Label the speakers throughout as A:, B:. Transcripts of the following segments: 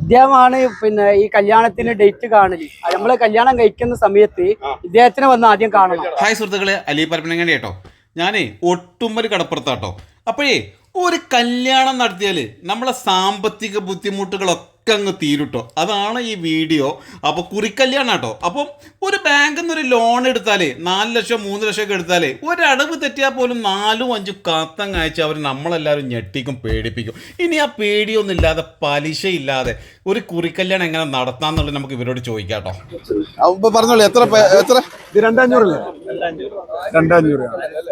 A: ഇദ്ദേഹമാണ് പിന്നെ ഈ കല്യാണത്തിന് ഡേറ്റ് കാണല്. നമ്മള് കല്യാണം കഴിക്കുന്ന സമയത്ത് ഇദ്ദേഹത്തിനെ വന്ന് ആദ്യം കാണണം.
B: ഹായ് സുഹൃത്തുക്കളെ, അലി പരപ്പനങ്ങാടി കേട്ടോ. ഞാനേ ഒട്ടുമൊരു കടപ്പുറത്താട്ടോ. അപ്പോഴേ ഒരു കല്യാണം നടത്തിയാൽ നമ്മളെ സാമ്പത്തിക ബുദ്ധിമുട്ടുകളൊക്കെ അങ്ങ് തീരുട്ടോ. അതാണ് ഈ വീഡിയോ. അപ്പോൾ കുറിക്കല്യാണം കേട്ടോ. അപ്പം ഒരു ബാങ്കിൽ നിന്ന് ഒരു ലോൺ എടുത്താൽ 4 ലക്ഷം 3 ലക്ഷം ഒക്കെ എടുത്താൽ ഒരടവ് തെറ്റിയാൽ പോലും 4-5 കാത്തങ്ങ് അയച്ച് അവർ നമ്മളെല്ലാവരും ഞെട്ടിക്കും, പേടിപ്പിക്കും. ഇനി ആ പേടിയൊന്നും ഇല്ലാതെ, പലിശയില്ലാതെ ഒരു കുറിക്കല്യാണം എങ്ങനെ നടത്താന്നുള്ളത് നമുക്ക് ഇവരോട് ചോദിക്കാം കേട്ടോ.
C: പറഞ്ഞോളൂ, എത്ര എത്ര?
D: ഇത് 2500 2500.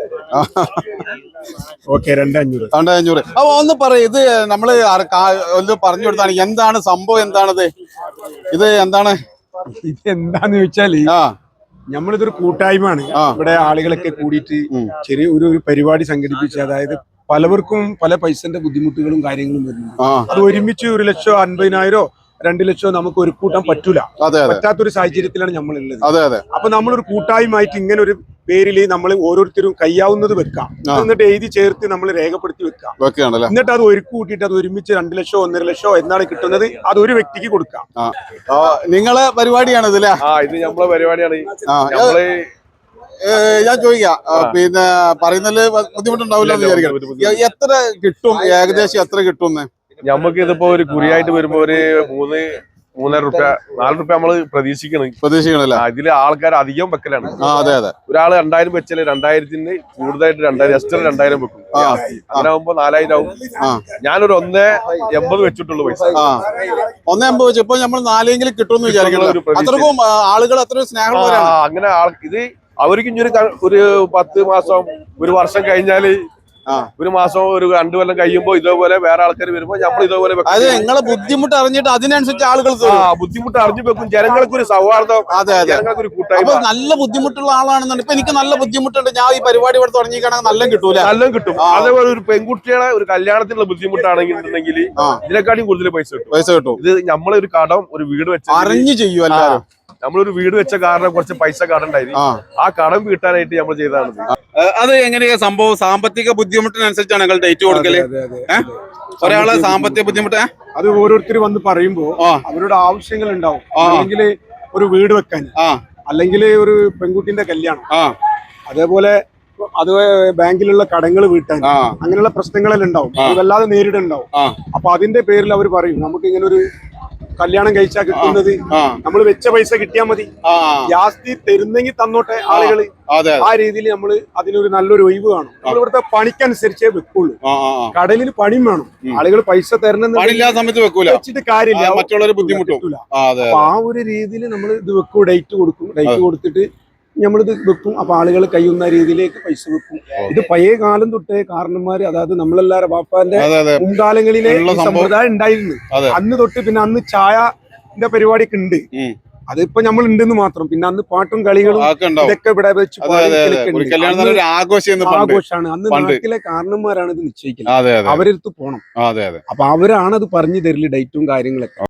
D: ഓക്കെ, 2500.
C: അപ്പൊ ഒന്ന് പറയും, ഇത് നമ്മള് ഒന്ന് പറഞ്ഞു കൊടുത്താണ് എന്താണ് സംഭവം, എന്താണത്, ഇത് എന്താണ്?
D: ഇത് എന്താന്ന് ചോദിച്ചാല് നമ്മളിതൊരു കൂട്ടായ്മയാണ്. ഇവിടെ ആളുകളൊക്കെ കൂടിയിട്ട് ചെറിയ ഒരു പരിപാടി സംഘടിപ്പിച്ച്, അതായത് പലവർക്കും പല പൈസന്റെ ബുദ്ധിമുട്ടുകളും കാര്യങ്ങളും വരുന്നു. അത് ഒരുമിച്ച് 1 ലക്ഷോ 50,000 2 ലക്ഷോ നമുക്ക് ഒരു കൂട്ടാൻ പറ്റൂല. പറ്റാത്തൊരു സാഹചര്യത്തിലാണ് നമ്മളുള്ളത്. അപ്പൊ നമ്മളൊരു കൂട്ടായ്മയായിട്ട് ഇങ്ങനെ ഒരു പേരിൽ നമ്മൾ ഓരോരുത്തരും കയ്യാവുന്നത് വെക്കാം, എന്നിട്ട് എഴുതി ചേർത്ത് നമ്മൾ രേഖപ്പെടുത്തി വെക്കാം. എന്നിട്ട് അത് ഒരുക്കി കൂട്ടിയിട്ട് അത് ഒരുമിച്ച് 2 ലക്ഷോ 1.5 ലക്ഷോ എന്നാണ് കിട്ടുന്നത്, അത് ഒരു വ്യക്തിക്ക് കൊടുക്കാം.
C: നിങ്ങളെ പരിപാടിയാണ് ഇതിലെ?
E: ഇത് നമ്മളെ പരിപാടിയാണ്.
C: ഞാൻ ചോദിക്കാം, പിന്നെ പറയുന്നതില് ബുദ്ധിമുട്ടുണ്ടാവില്ല എന്ന് വിചാരിക്കണം. എത്ര കിട്ടും, ഏകദേശം എത്ര കിട്ടും?
E: ഞമ്മക്ക് ഇതിപ്പോ ഒരു കുറിയായിട്ട് വരുമ്പോ ഒരു 3-3.5 രൂപ 4 രൂപ നമ്മള് പ്രതീക്ഷിക്കണല്ലേ. ഇതില് ആൾക്കാർ അധികം വെക്കലാണ്. ഒരാള് 2000 വെച്ചാല് 2000-ന് കൂടുതലായിട്ട് 2000 എക്സ്ട്രാ 2000 വെക്കും. അങ്ങനെ ആകുമ്പോ 4000 ആവും. ഞാനൊരു 1.80 വെച്ചിട്ടുള്ളൂ പൈസ.
C: 1.80 വെച്ച് ഇപ്പൊ നമ്മൾ 4 കിട്ടുമെന്ന് വിചാരിക്കണം. അത്രക്കും ആളുകൾ അത്ര സ്നേഹം.
E: അങ്ങനെ ഇത് അവർക്ക് ഇനി ഒരു 10 മാസം 1 വർഷം കഴിഞ്ഞാല്, 1 മാസം 2 കൊല്ലം കഴിയുമ്പോ ഇതേപോലെ വേറെ ആൾക്കാർ വരുമ്പോ നമ്മൾ ഇതേപോലെ
C: നിങ്ങളെ ബുദ്ധിമുട്ട് അറിഞ്ഞിട്ട് അതിനനുസരിച്ച് ആളുകൾ
E: ബുദ്ധിമുട്ട് അറിഞ്ഞു വെക്കും. ജനങ്ങൾക്ക് ഒരു സൗഹാർദ്ദം, ജനങ്ങൾക്ക് ഒരു കൂട്ടായ്മ.
C: നല്ല ബുദ്ധിമുട്ടുള്ള ആളാണെന്നുണ്ട്. ഇപ്പൊ എനിക്ക് നല്ല ബുദ്ധിമുട്ടുണ്ട്, ഞാൻ ഈ പരിപാടി ഇവിടെ തുടങ്ങിയിരിക്കണമെങ്കിൽ നല്ല കിട്ടൂല.
E: നല്ല കിട്ടും. അതേപോലെ ഒരു പെൺകുട്ടികളെ ഒരു കല്യാണത്തിനുള്ള ബുദ്ധിമുട്ടാണെങ്കിൽ ഇതിനെക്കാട്ടിയും കൂടുതൽ പൈസ കിട്ടും. ഇത് നമ്മളൊരു കടം, ഒരു വീട് വെച്ച്
C: അറിഞ്ഞു ചെയ്യുമല്ല.
E: നമ്മളൊരു വീട് വെച്ച കാരണം കുറച്ച് പൈസ കടണ്ടായിരുന്നു. ആ കടം വീട്ടാനായിട്ട് നമ്മൾ ചെയ്തതാണ്.
C: അത് എങ്ങനെയാ സംഭവം? സാമ്പത്തിക ബുദ്ധിമുട്ടിനനുസരിച്ചാണ് നിങ്ങൾ ഡേറ്റ് കൊടുക്കല്? ഒരാളെ സാമ്പത്തിക ബുദ്ധിമുട്ട്
D: അത് ഓരോരുത്തർ വന്ന് പറയുമ്പോ അവരുടെ ആവശ്യങ്ങൾ ഉണ്ടാവും. അല്ലെങ്കിൽ ഒരു വീട് വെക്കാൻ, അല്ലെങ്കിൽ ഒരു പെൺകുട്ടിന്റെ കല്യാണം, അതേപോലെ അത് ബാങ്കിലുള്ള കടങ്ങൾ വീട്ടാൻ, അങ്ങനെയുള്ള പ്രശ്നങ്ങളെല്ലാം ഉണ്ടാവും. അത് വല്ലാതെ നേരിടുണ്ടാവും. അപ്പൊ അതിന്റെ പേരിൽ അവർ പറയും, നമുക്ക് ഇങ്ങനെ ഒരു കല്യാണം കഴിച്ചാൽ കിട്ടുന്നത് നമ്മൾ വെച്ച പൈസ കിട്ടിയാൽ മതി, ജാസ്തി തരുന്നെങ്കിൽ തന്നോട്ടെ ആളുകള്. ആ രീതിയിൽ നമ്മൾ അതിനൊരു നല്ലൊരു ഒഴിവ് കാണും. നമ്മൾ ഇവിടുത്തെ പണിക്കനുസരിച്ചേ വെക്കുള്ളൂ. കടലിൽ പണിയും വേണം. ആളുകൾ പൈസ തരണമെന്ന് വെച്ചിട്ട് കാര്യമില്ല, മറ്റുള്ളവർ ബുദ്ധിമുട്ടില്ല. അപ്പൊ ആ ഒരു രീതിയിൽ നമ്മൾ ഇത് വെക്കും, ഡേറ്റ് കൊടുക്കും. ഡേറ്റ് കൊടുത്തിട്ട് നമ്മളിത് വെക്കും. അപ്പൊ ആളുകൾ കഴിയുന്ന രീതിയിലേക്ക് പൈസ വെക്കും. ഇത് പഴയ കാലം തൊട്ടേ കാരണന്മാര്, അതായത് നമ്മളെല്ലാരും ബാപ്പാന്റെ മുൻകാലങ്ങളിലെ സമ്പ്രദായം ഉണ്ടായിരുന്നു. അന്ന് തൊട്ട് പിന്നെ അന്ന് ചായന്റെ പരിപാടിയൊക്കെ ഉണ്ട്. അതിപ്പോ നമ്മൾ ഉണ്ടെന്ന് മാത്രം. പിന്നെ അന്ന് പാട്ടും കളികളും ഇതൊക്കെ ഇവിടെ വെച്ച് ആഘോഷമാണ്. അന്ന് നാട്ടിലെ കാരണന്മാരാണ് ഇത് നിശ്ചയിക്കുന്നത്. അവരടുത്ത് പോണം. അപ്പൊ അവരാണ് അത് പറഞ്ഞു തരല്, ഡേറ്റും കാര്യങ്ങളൊക്കെ.